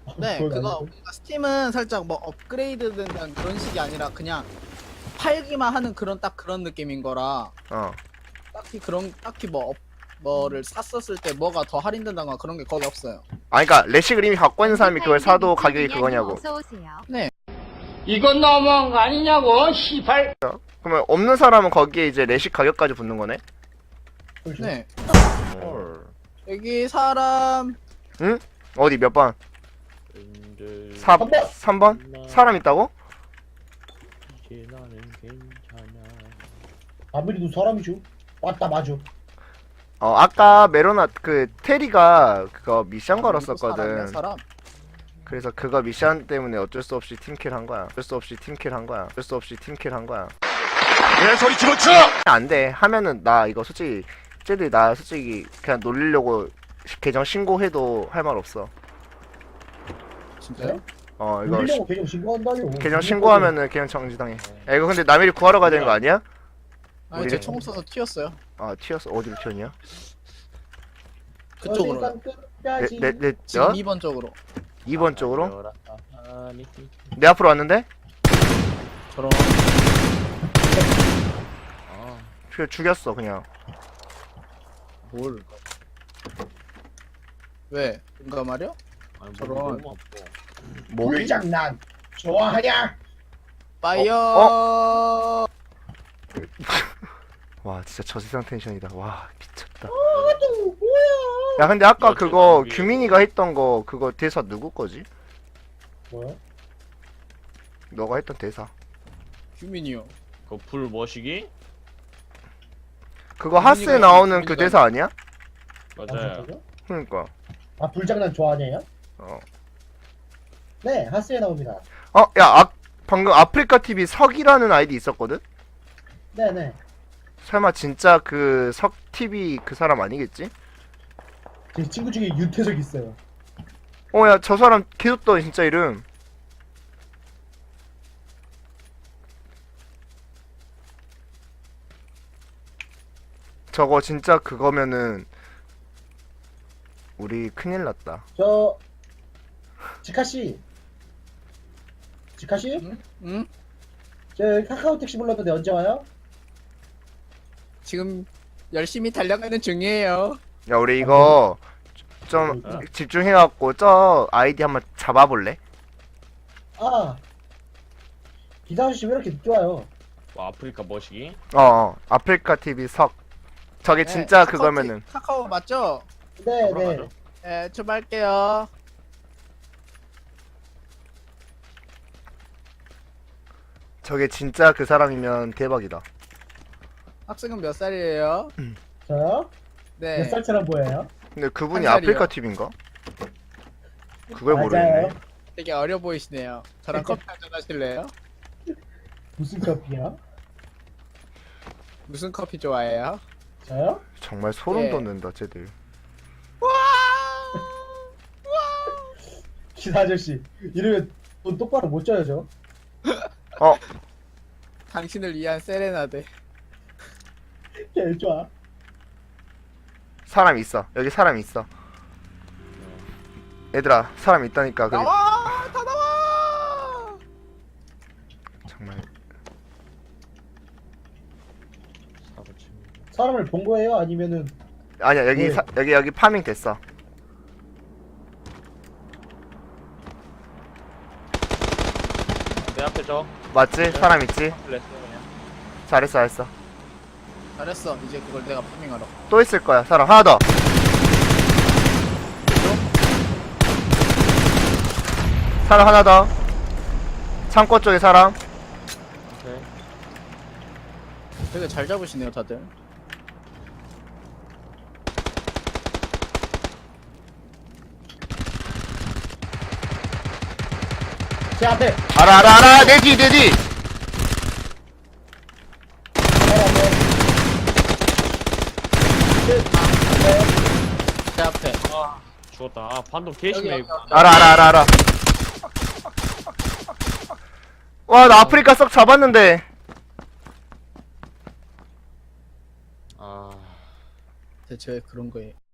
네, 그건 그거 아니고. 그러니까 스팀은 살짝 뭐 업그레이드 된다는 그런 식이 아니라 그냥 팔기만 하는 그런 느낌인 거라 어. 딱히 뭐 뭐를 샀었을 때 뭐가 더 할인된다거나 그런 게 거의 없어요. 아, 그니까, 레식을 이미 갖고 있는 사람이 그걸 사도 가격이 그거냐고. 네, 이건 너무한 거 아니냐고, 시발. 그러면 없는 사람은 거기에 이제 레식 가격까지 붙는 거네? 그렇죠. 네. 헐. 여기 사람 어디 몇 번? 근데 3번? 사람 있다고? 이제 나는 괜찮아. 아무리도 사람이죠. 맞다 맞아. 아까 메로나 그 테리가 그거 미션 사람이야, 걸었었거든. 사람. 그래서 그거 미션 때문에 어쩔 수 없이 팀킬 한 거야. 어쩔 수 없이 팀킬 한 거야. 어쩔 수 없이 팀킬 한 거야. 내 소리 집어쳐! 안 돼. 하면은 나 이거 솔직히 쟤들이 나 솔직히 그냥 놀리려고 계정 신고해도 할 말 없어. 진짜요? 이거 놀리려고 계정 신고한다요. 계정 신고하면은 그냥 정지당해. 야, 이거 근데 남일이 구하러 가야 되는 거 아니야? 아니 우리- 제 총 없어서 튀었어요. 아, 튀었어. 어디로 튀었냐? 그쪽으로. 끝까지. 지금 어? 2번 쪽으로. 2번 쪽으로? 아니, 내 앞으로 왔는데? 저런. 아, 그냥 죽였어, 그냥. 뭘? 왜? 뭔가 말이야? 아니 저런. 너무 아파. 목이? 불장난 좋아하냐? 파이어. 와, 진짜 저 세상 텐션이다. 와, 미쳤다. 또 뭐야? 야, 근데 아까 야, 그거 저기- 규민이가 했던 거 그거 대사 누구 거지? 뭐야? 너가 했던 대사. 규민이요. 그불 머시기? 그거 하스에 규민이가 나오는 그 규민이가- 대사 아니야? 맞아요. 그러니까. 아 불장난 좋아하냐요? 어. 네 하스에 나옵니다. 야, 방금 아프리카 TV 석이라는 아이디 있었거든? 네네. 설마 진짜 그 석 TV 그 사람 아니겠지? 제 친구 중에 윤태석 있어요. 야, 저 사람 계속 떠 진짜 이름. 저거 진짜 그거면은 우리 큰일 났다. 저 지카씨. 지카씨? 응? 저 카카오 택시 불렀는데 언제 와요? 지금 열심히 달려가는 중이에요. 야, 우리 이거 좀 어? 집중해갖고 저 아이디 한번 잡아볼래? 아 기사 아저씨 왜 이렇게 늦게 와요? 뭐 아프리카 머시기? 아프리카 TV 석. 저게 네, 진짜 카카오 그거면은 카카오 맞죠? 네네. 돌아가죠? 네, 출발할게요. 저게 진짜 그 사람이면 대박이다. 학생은 몇 살이에요? 저요? 네. 몇 살처럼 보여요? 근데 그분이 한 살이요. 아프리카 TV인가? 그걸 맞아요. 모르겠네. 되게 어려 보이시네요. 저랑 커피 한잔 하실래요? 무슨 커피야? 무슨 커피 좋아해요? 저요? 정말 소름 예. 돋는다, 쟤들. 기사 아저씨 이러면 돈 똑바로 못 줘요 저. 당신을 위한 세레나데. 개 좋아. 사람 있어. 여기 사람 있어. 얘들아, 사람 있다니까. 나와! 다 나와! 정말. 사고 칩니다. 사람을 본 거예요? 아니면은 아니야, 여기 네. 여기 파밍 됐어. 내 앞에 저 맞지? 사람 있지? 플래스 그냥. 잘했어, 잘했어. 잘했어. 이제 그걸 내가 파밍하러. 또 있을 거야. 사람 하나 더. 사람 하나 더. 창고 쪽에 사람. 오케이. 되게 잘 잡으시네요, 다들. 제 앞에 알아. 내 뒤. 제 앞에. 죽었다. 아, 반동 개심해. 여기. 알아. 와, 나 아프리카 썩 잡았는데. 아. 대체 왜 그런 거예요?